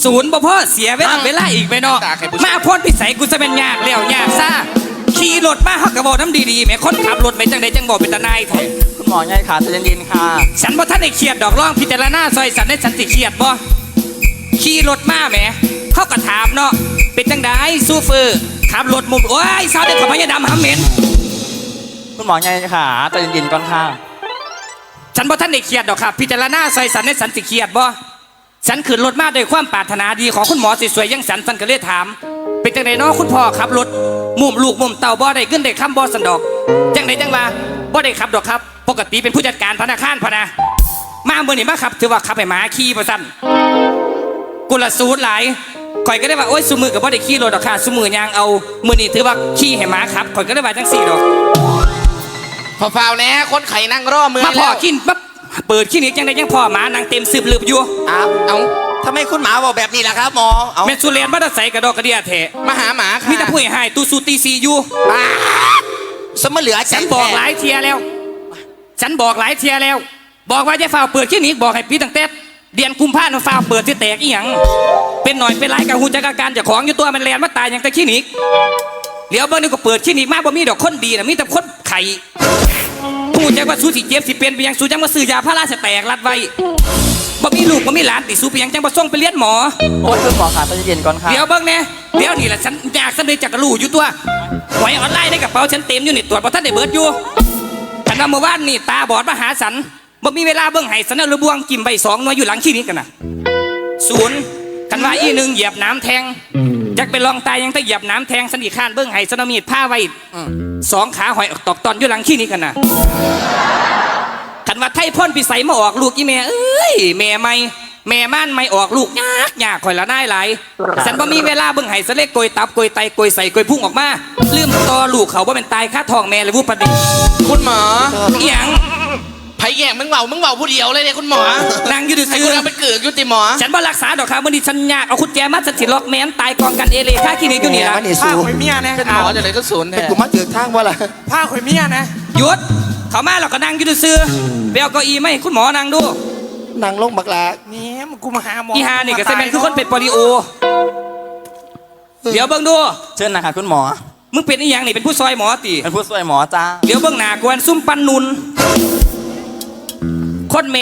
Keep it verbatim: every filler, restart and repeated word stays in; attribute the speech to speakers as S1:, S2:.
S1: ศูนย์บ่พ่อเสียเวลาเวลาอีกไปเนาะมาพ่นพิสัยกูจะเป็นยากแล้วยากซ่าขี่รถมาฮักกระบอกน้ำดีๆแม่คนขับรถไปจังใดจังบอกเป็นตาหนายแท้
S2: คุณหมอไงขาใจเย็นๆค่ะ
S1: ฉันบ่ท่านได้เครียดดอกร้องพิจารณาซอยสันได้ฉันสิเครียดบ่ขี่รถมาแหมเขาก็ถามเนาะเป็นจังใดซูเฟอร์ขับรถมุมโอ้ยสาวเด็กขับพยาดำหำเหม็น
S2: คุณหมอไงขาใจเย็นๆก่อนค่ะ
S1: ฉันบ่ท่านได้เครียดดอกครับพิจารณาซอยสันได้ฉันสิเครียดบ่ฉันขึ้นรถมาด้วยความปรารถนาดีของคุณหมอสวยๆยังสันสันก็เลยถามเป็นจังไดเนาะคุณพ่อขับรถมุมลูกมุมเต่าบ่ได้ขึ้นได้คำบ่สันดอกจังไดจังว่าบ่ได้ขับดอกครับปกติเป็นผู้จัดการธนาคารพะนะมาเมื่อนี้มาขับถือว่าขับให้หมาขี่ประสันกุลสูตรหลายข่อยก็ได้ว่าโอ๊ยสุมือกับบ่ได้ขี่รถดอกค่ะสุมือยางเอามื่อนี้ถือว่าขี่ให้หมาขับข่อยก็ได้ว่าจังสี่ดอก
S3: พอฟาวแน่คนไข่นั่งรอมือ
S1: มาพ่อกินปั๊บเปิดขี้นี้จังไดยังพ่อหมานางเต็มสืบลืบอยู่
S3: อ้าวเอาทำไมคุณหมาบอกแบบนี้ล่ะครับหมอเอา
S1: แม่สุเรียนมาตะใสกระดอกกระเดียเถะ
S3: มาหาหมาค่ะ
S1: มีแต่ผู้ใหญ่ตูสูตีซีอยู่
S3: สมเหลือ
S1: ฉันบอกหลายเทียแล้วฉันบอกหลายเทียแล้วบอกว่าจะฝ่าเปิดขี้นี้บอกให้พี่ตั้งแต่เดือนกุมภาพันธ์ฝ่าเปิดที่แตกอีหยังเป็นหน่อยเป็นไรกับหูจักการจากของอยู่ตัวมันแลนมาตายอย่างแต่ขี้นี้เดี๋ยวเบอร์นึงก็เปิดขี้นี้มากบ่มีดอกคนดีนะมีแต่คนไข่ผู้จักว่าสู้สิเจ็บสิเป็นไปยังสู้จังมาซื้อยาพาราสแตกรัดไว้บ่มีลูกบ่มีหลานติสู้ไปยังจังมาส่งไปเลี้ยงหมอ
S2: โอ้ยคุณหมอขาใจเย็นก่อนค่ะ
S1: เดี๋ยวเบิ้งเนี่ยเดี๋ยวนี่แหละฉันอยากสำเร็จจากกระลู่อยู่ตัวหวยออนไลน์ในกระเป๋าฉันเต็มอยู่นี่ตรวจบ่ทันได้เบิดอยู่ฉันว่าเมื่อวานนี่ตาบอดมาหาสันบ่มีเวลาเบิ้งไห้สันเอาระบวงกิมใบสองหน่วยอยู่หลังขี้นี้กันนะศูนย์กันว่าอีหนึ่งเหยียบน้ำแทงอยากไปลองตายยังต้องเหยียบน้ำแทงสันอีกข้านเบิ้งไห้สันเอามีดผ้าไว้สองขาหอยออกตอกตอนอยู่หลังขี้นี้กันนะขันว่าไทยพ่นพิสัยมาออกลูกอีแม่เอ้ยแม่ไม่แม่ม่านไม่ออกลูกยากยากคอยละน่ายไหลฉันบ่มีเวลาเบิ่งไห้สะเล็กโกยตับโกยไตโกยใส่โกยพุ่งออกมาลืมต่อลูกเขาว่าเป็นตายค่าทองแม่เลยวุ้ประเดี๋ยว
S3: คุณหมอ
S1: อีหยัง
S3: ไผ่แย่งมึงเบามึงเบาผู้เดียวเลยเนี่ยคุณหมอน
S1: างยืดซื้อ
S3: เป็นเกือกยุติหมอ
S1: ฉันบ่รักษาดอกครับวันนี้ฉันยากเอาคุณแจมาฉันสิล็อกแม้นตายกองกันเอเลค่าขี้นี้อยู่นี่ละ
S4: ผ้าข่อยเมียนะ
S3: เป็นหมอจะเลยก็ศูนย์แท้
S4: กูมาเจอทางว่าล่ะ
S3: ผ้าข่อยเมียนะ
S1: หยุดเขามาเราก็นั่งยืดซื้อไปเอาเก้าอี้ไหมคุณหมอนั่งดู
S4: นั่งลงบักลา
S3: นี่มึงกูมาหาหมอ
S1: อีฮานี่ก็แสดงคือคนเป็นโปลิโอเดี๋ยวเบิ่งดู
S2: เชิญนะคะคุณหมอ
S1: มึงเป็นอีหยังนี่เป็นผู้ซอยหมอตี
S2: เป็นผู้ช่วยหมอจ้า
S1: เดี๋ยวเบิ่งหน้ากวนซุ่มปันนุนคนเม